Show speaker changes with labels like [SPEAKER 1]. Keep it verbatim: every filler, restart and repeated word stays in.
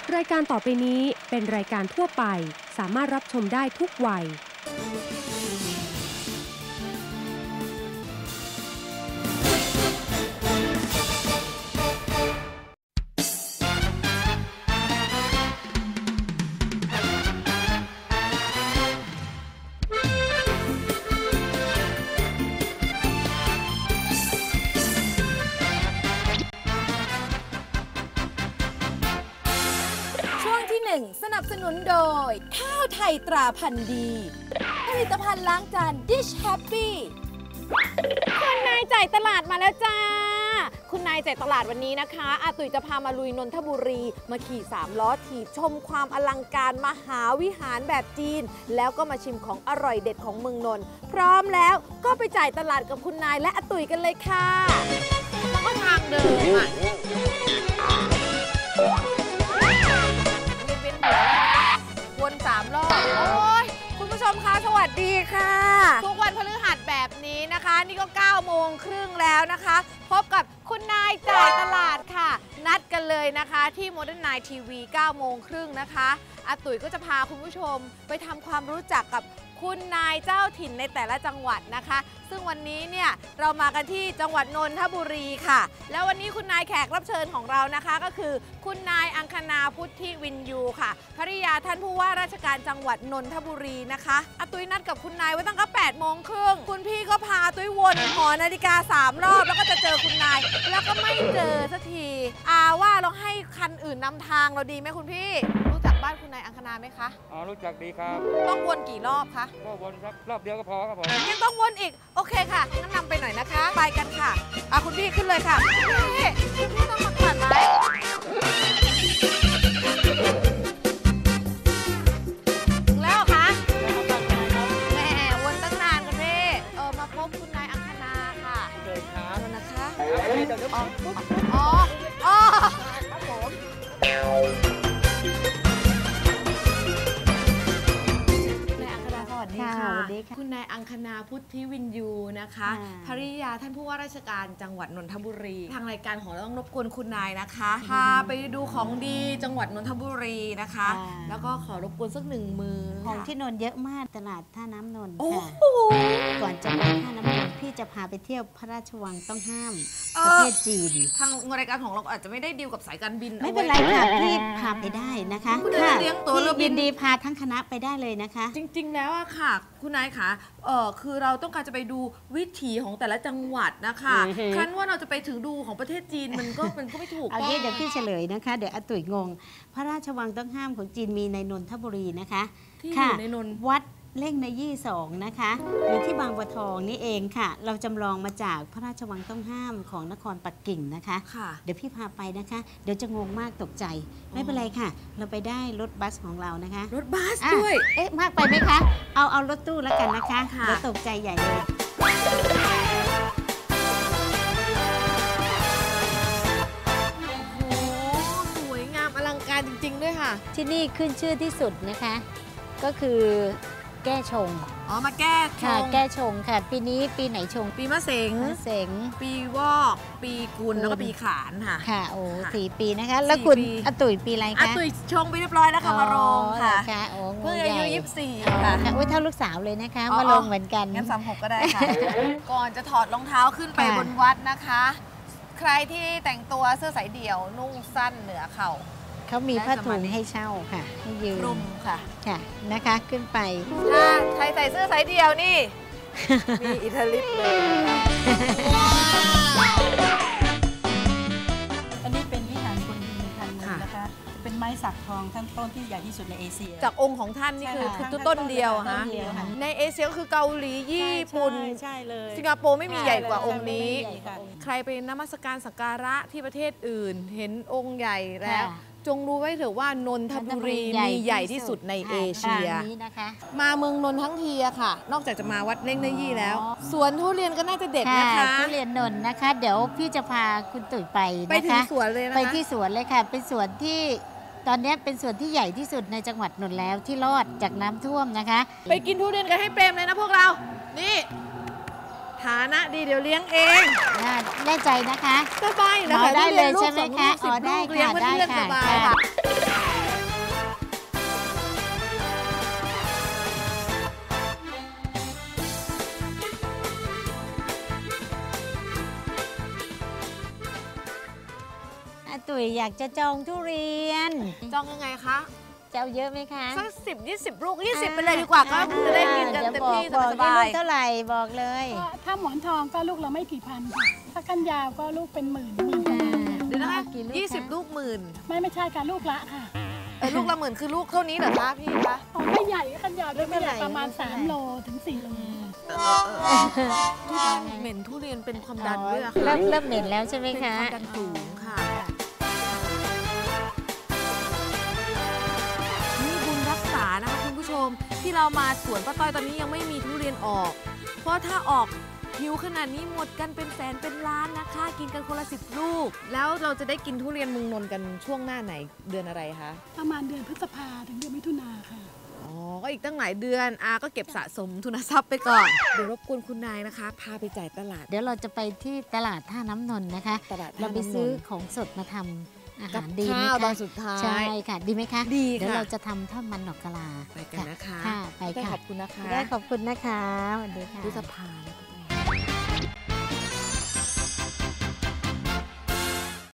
[SPEAKER 1] รายการต่อไปนี้เป็นรายการทั่วไปสามารถรับชมได้ทุกวัย
[SPEAKER 2] สนับสนุนโดยข้าวไทยตราพันธุ์ดีผลิตภัณฑ์ล้างจาน Dish Happy
[SPEAKER 3] คุณนายจ่ายตลาดมาแล้วจ้าคุณนายจ่ายตลาดวันนี้นะคะอาตุ๋ยจะพามาลุยนนทบุรีมาขี่สามล้อถีบชมความอลังการมหาวิหารแบบจีนแล้วก็มาชิมของอร่อยเด็ดของเมืองนนท์พร้อมแล้วก็ไปจ่ายตลาดกับคุณนายและอาตุ๋ยกันเลยค่ะแล้วก็ทางเดิมอ่ะวนสามรอบโอ้ยคุณผู้ชมคะสวัสดีค่ะทุกวันพฤหัสแบบนี้นะคะนี่ก็เก้าโมงครึ่งแล้วนะคะพบกับคุณนายจ่ายตลาดค่ะนัดกันเลยนะคะที่โมเดิร์นไนน์ทีวีเก้าโมงครึ่งนะคะอาตุ๋ยก็จะพาคุณผู้ชมไปทำความรู้จักกับคุณนายเจ้าถิ่นในแต่ละจังหวัดนะคะซึ่งวันนี้เนี่ยเรามากันที่จังหวัดนนทบุรีค่ะแล้ววันนี้คุณนายแขกรับเชิญของเรานะคะก็คือคุณนายอังคณาพุทธิวินยูค่ะภริยาท่านผู้ว่าราชการจังหวัดนนทบุรีนะคะอาตุ้ยนัดกับคุณนายไว้ตั้งแต่แปดโมงครึ่งคุณพี่ก็พาตุ้ยวนหอนาฬิกาสามรอบแล้วก็จะเจอคุณนายแล้วก็ไม่เจอสักทีอาว่าเราให้คันอื่นนำทางเราดีไหมคุณพี่รู้จักบ้านคุณนายอังคณาไหมคะ
[SPEAKER 4] อ๋อรู้จักดีครับ
[SPEAKER 3] ต้องวนกี่รอบคะ
[SPEAKER 4] ก็วนสักรอบเดียวก็พอครับผม
[SPEAKER 3] ยังต้องวนอีกโอเคค่ะงั้นนำไปหน่อยนะคะไปกันค่ะอ่ะคุณพี่ขึ้นเลยค่ะพี่คุณพี่ต้องมาก่อนไหมถึงแล้วคะแหมวนตั้งนานคุณพี่เออมาพบคุณนายอังคณาค่ะ
[SPEAKER 4] เดินครับ
[SPEAKER 3] แล้วนะคะ
[SPEAKER 4] อ๋อ
[SPEAKER 3] อ๋ออ๋อครับผมคุณนายอังคณาพุทธิวินยูนะคะภริยาท่านผู้ว่าราชการจังหวัดนนทบุรีทางรายการของเราต้องรบกวนคุณนายนะคะพาไปดูของดีจังหวัดนนทบุรีนะคะแล้วก็ขอรบกวนสักหนึ่งมือ
[SPEAKER 5] ของที่นนท์เยอะมากตลาดท่าน้ำนนท์ค่ะก่อนจะไปท่าน้ำนนท์พี่จะพาไปเที่ยวพระราชวังต้องห้ามประเทศจีน
[SPEAKER 3] ทางรายการของเราอาจจะไม่ได้ดีลกับสายการบิน
[SPEAKER 5] ไม่เป็นไรค่ะพี่พาไปได้นะคะ
[SPEAKER 3] ค่ะเลี้ยงตัวเรือบิน
[SPEAKER 5] ดีพาทั้งคณะไปได้เลยนะคะ
[SPEAKER 3] จริงๆแล้วอะค่ะคุณนายคะเออคือเราต้องการจะไปดูวิถีของแต่ละจังหวัดนะคะคันว่าเราจะไปถึงดูของประเทศจีนมันก็มันก็ไม่ถูก
[SPEAKER 5] เอางี้เดี๋ยวพี่เฉลยนะคะเดี๋ยวอาตุ๋ยงงพระราชวังต้องห้ามของจีนมีในนนทบุรีนะคะ
[SPEAKER 3] ที่อยู่ในนน
[SPEAKER 5] วัดเล่งในยี่สองนะคะอยู่ที่บางบัวทองนี่เองค่ะเราจำลองมาจากพระราชวังต้องห้ามของนครปักกิ่งนะคะเดี๋ยวพี่พาไปนะคะเดี๋ยวจะงงมากตกใจไม่เป็นไรค่ะเราไปได้รถบัสของเรานะคะ
[SPEAKER 3] รถบัสด้วย
[SPEAKER 5] เอ๊ะมากไปไหมคะเอาเอารถตู้แล้วกันนะคะเดี๋ยวตกใจใหญ่เลย
[SPEAKER 3] โอ้สวยงามอลังการจริงๆด้วยค่ะ
[SPEAKER 5] ที่นี่ขึ้นชื่อที่สุดนะคะก็คือแก้ชง
[SPEAKER 3] อ๋อมาแก้ชง
[SPEAKER 5] แก้ชงค่ะปีนี้ปีไหนชง
[SPEAKER 3] ปีมะเสง
[SPEAKER 5] มะเสง
[SPEAKER 3] ปีวอกปีกุลแล้วก็ปีขานค่ะ
[SPEAKER 5] ค่ะโอ้สี่ปีนะคะแล้วคุณอาตุ๋ยปีอะไรคะ
[SPEAKER 3] อาตุ๋ยชงไปเรียบร้อยแล้วค่ะมาลงค่ะเพิ่งอายุยี่สิบสี่ค่ะ
[SPEAKER 5] โอ้ยเท่าลูกสาวเลยนะคะมาลงเหมือนกัน
[SPEAKER 3] งั้นสามหกก็ได้ค่ะก่อนจะถอดรองเท้าขึ้นไปบนวัดนะคะใครที่แต่งตัวเสื้อสายเดี่ยวนุ่งสั้นเหนือเข่า
[SPEAKER 5] เขามีผ้าถุงให้เช่าค่ะให้ยืม
[SPEAKER 3] รุมค่ะ
[SPEAKER 5] ค่ะนะคะขึ้นไป
[SPEAKER 3] ถ้าใครใส่เสื้อสายเดี่ยวนี่มีอิทธิฤทธิ์เลย
[SPEAKER 6] อันนี้เป็นวิหารคนดินพันมือนะคะเป็นไม้สักทองทั้งต้นที่ใหญ่ที่สุดในเอเชีย
[SPEAKER 3] จากองค์ของท่านนี่คือคือต้นเดียวฮะในเอเชียก็คือเกาหลีญี่ปุ่น
[SPEAKER 6] ใช่เลย
[SPEAKER 3] สิงคโปร์ไม่มีใหญ่กว่าองค์นี้ใครไปนมัสการสักการะที่ประเทศอื่นเห็นองค์ใหญ่แล้วจงรู้ไว้เถอะว่านนทบุรีมีใหญ่ที่สุดในเอเชียมาเมืองนนท์ทั้งทีอะค่ะนอกจากจะมาวัดเล่งเนยี่แล้วสวนทุเรียนก็น่าจะเด็ดนะคะ
[SPEAKER 5] ทุเรียนนนท์นะคะเดี๋ยวพี่จะพาคุณตุ๋ยไปนะคะ
[SPEAKER 3] ไปที่สวนเลยนะคะ
[SPEAKER 5] ไปที่สวนเลยค่ะเป็นสวนที่ตอนนี้เป็นสวนที่ใหญ่ที่สุดในจังหวัดนนท์แล้วที่รอดจากน้ำท่วมนะคะ
[SPEAKER 3] ไปกินทุเรียนกันให้เปรมเลยนะพวกเรานี่ฐานะดีเดี๋ยวเลี้ยงเอง
[SPEAKER 5] แน่ใจนะคะ
[SPEAKER 3] สบายนะคะ
[SPEAKER 5] ได้เลยใช่ไหมคะอ๋อได้ค่ะได้ค่ะตุ๋ยอยากจะจองทุเรียน
[SPEAKER 3] จองยังไงคะ
[SPEAKER 5] จะเอาเยอะไหมคะ
[SPEAKER 3] สักสิบยี่สิบลูกยี่สิบไปเลยดีกว่าก็จะได้กินกันเต็มที่
[SPEAKER 5] บอก
[SPEAKER 3] ส
[SPEAKER 5] บอก
[SPEAKER 3] บา
[SPEAKER 5] ลู
[SPEAKER 3] ย
[SPEAKER 5] กเท่าไหร่บอกเลย
[SPEAKER 6] ก็ถ้าหมอนทองก็ลูกละไม่กี่พันค่ะ ถ้าก้านยาวก็ลูกเป็นหมื่นหมื่นกว่าบาท
[SPEAKER 3] เดี๋ยวนะคะ
[SPEAKER 5] เอากี่ลูก
[SPEAKER 3] ยี่สิบ
[SPEAKER 5] คะ
[SPEAKER 3] ลูกหมื่น
[SPEAKER 6] ไม่ไม่ใช่ค่ะลูกละค่ะ
[SPEAKER 3] เอ้ยลูกละหมื่นคือลูกเท่านี้เหรอคะพี่คะ
[SPEAKER 6] อ๋อไม่ใหญ่ก้านยาวด้วย
[SPEAKER 5] ไม่
[SPEAKER 6] ไม่
[SPEAKER 5] ให
[SPEAKER 6] ให
[SPEAKER 5] ญ่
[SPEAKER 6] ญ่ประมาณ
[SPEAKER 5] ไม่ใหญ่
[SPEAKER 6] สามโลถึงสี่โล
[SPEAKER 3] ที่บ้านเหม็นทุเรียนเป็นความดันด้วยอะค่ะ
[SPEAKER 5] เริ่มเริ่มเหม็นแล้วใช่ไหม
[SPEAKER 3] เป็น
[SPEAKER 5] คะ
[SPEAKER 3] ความดันสูงค่ะ นี่บุญรักษานะคะคุณผู้ชมที่เรามาสวนป้าต้อยตอนนี้ยังไม่มีทุเรียนออก เพราะถ้าออกหิวขนาดนี้หมดกันเป็นแสนเป็นล้านนะคะ กินกันคนละสิบลูก แล้วเราจะได้กินทุเรียนเมืองนนท์กันช่วงหน้าไหนเดือนอะไรคะ
[SPEAKER 6] ประมาณเดือนพฤษภาถึงเดือนมิถุนาค่ะ
[SPEAKER 3] อ๋อ ก็อีกตั้งหลายเดือนอาก็เก็บสะสมทุนทรัพย์ไปก่อน เดี๋ยวรบกวนคุณนายนะคะ พาไปจ่ายตลาด
[SPEAKER 5] เดี๋ยวเราจะไปที่ตลาดท่าน้ำนนท์นะคะ
[SPEAKER 3] ตลาด
[SPEAKER 5] เราไปซื้อของสดมาทำอา
[SPEAKER 3] กั
[SPEAKER 5] หา
[SPEAKER 3] บ
[SPEAKER 5] รดีไหม
[SPEAKER 3] ข้าวตอ
[SPEAKER 5] คะ
[SPEAKER 3] นสุดท้าย
[SPEAKER 5] ใช่ค่ะ ดีไหมคะ
[SPEAKER 3] ดี
[SPEAKER 5] เดี๋ยว
[SPEAKER 3] ค่ะ
[SPEAKER 5] เราจะทำทอดมันดอกกะลา
[SPEAKER 3] ไปกันนะคะ
[SPEAKER 5] ค่ะไป
[SPEAKER 3] ได้
[SPEAKER 5] ค่ะ
[SPEAKER 3] ขอบคุณนะคะ
[SPEAKER 5] ได้ขอบคุณนะคะสวัสดีค่ะ
[SPEAKER 3] พฤษภาเนี่ย